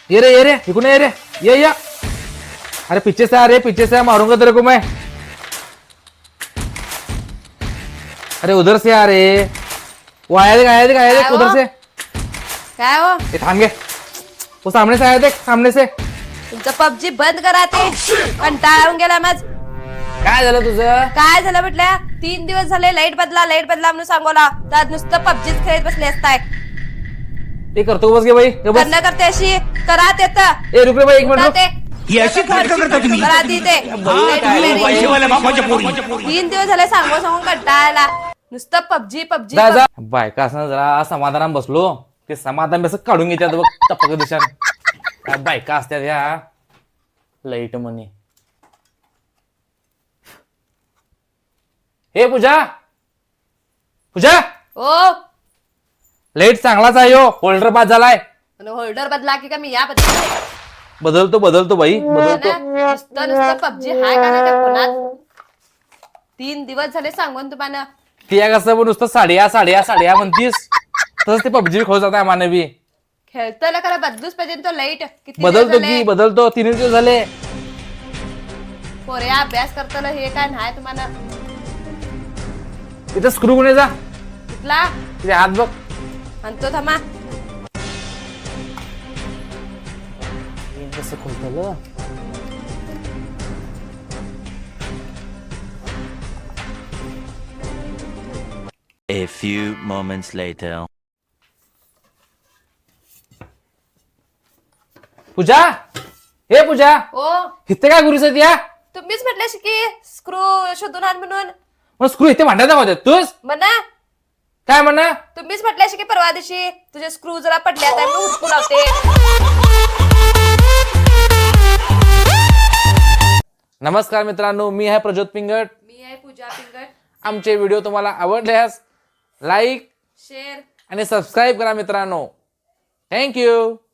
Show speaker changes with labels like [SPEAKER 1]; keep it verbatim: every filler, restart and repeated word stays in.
[SPEAKER 1] ये रे ये रे इकडून ये रे ये या अरे पीछे से आ रे पीछे से मारूंगा तेरे को मैं अरे उधर से आ रे वो आया देख आया देख आया देख उधर से
[SPEAKER 2] काय हो
[SPEAKER 1] ये थांब गे वो सामने से आया देख सामने से
[SPEAKER 2] तुमचं पबजी बंद करा ते कंटाळा येऊन गेला माझ
[SPEAKER 1] काय झालं तुझं
[SPEAKER 2] काय झालं म्हटल्या तीन दिवस झाले लाईट बदला लाईट बदला म्हणून सांगोला तर नुसतं पबजीच खेळत बसले असताय
[SPEAKER 1] ते करतो बस गे बाई ये बस
[SPEAKER 2] करणं करते अशी करा ते तर
[SPEAKER 1] ए रुक रे बाई एक मिनिट रुक.
[SPEAKER 2] ते
[SPEAKER 3] ही अशी नाटकं करता तुम्ही
[SPEAKER 2] करा ती ते
[SPEAKER 3] पैसेवाल्या बापाच्या पोरी
[SPEAKER 2] तीन दिवस झाले सांगून सांगून कंटाळायला नुसतं पबजी पबजी
[SPEAKER 1] जा जा बायका असं जरा समाधानात बसलो ते समाधान बस काढून घेतात बघ टपक दिशान काय बायका असतात या लाईट म्हणे हे पूजा पूजा
[SPEAKER 2] ओ
[SPEAKER 1] लाईट चांगलाच आहे हो होल्डर बाद झालाय
[SPEAKER 2] होल्डर बदला की का मी या बदला
[SPEAKER 1] बदलतो बदलतो बाई बदलतो
[SPEAKER 2] नुसतं नुसतं पबजी हाय का नाही त्या फोनात तीन दिवस झाले सांगून तुम्हाला
[SPEAKER 1] ती कसं पण नुसतं साड्या साड्या साड्या म्हणतीस तसंच ते पबजी खोल जात आहे मानवी
[SPEAKER 2] खेळतोय खरं बदलूच पाहिजे तो लाईट किती दिवस
[SPEAKER 1] बदलतो
[SPEAKER 2] झाले?
[SPEAKER 1] की बदलतो तीन दिवस झाले
[SPEAKER 2] पोरे अभ्यास करताना हे काय नाही तुम्हाला
[SPEAKER 1] तिथं स्क्रू कोणी जा
[SPEAKER 2] कुठला
[SPEAKER 1] तिथे हात बघ
[SPEAKER 2] म्हणतो थांबा
[SPEAKER 1] कसं खोलतं
[SPEAKER 4] A few moments later.
[SPEAKER 1] पूजा हे पूजा
[SPEAKER 2] ओ
[SPEAKER 1] इथे काय गुरुस या
[SPEAKER 2] तुम्हीच म्हटले की स्क्रू शोधून आण म्हणून
[SPEAKER 1] मग स्क्रू इथे भांड्यात दाखवते तूच
[SPEAKER 2] म्हणा
[SPEAKER 1] काय म्हणा
[SPEAKER 2] तुम्हीच म्हटले की परवा दिवशी तुझे स्क्रू जरा पडले आता मी हुडकू लावते
[SPEAKER 1] नमस्कार मित्रांनो मी आहे प्रज्योत पिंगट
[SPEAKER 2] मी आहे पूजा पिंगट
[SPEAKER 1] आमचे व्हिडिओ तुम्हाला आवडल्यास लाईक
[SPEAKER 2] शेअर
[SPEAKER 1] आणि सबस्क्राईब करा मित्रांनो थँक्यू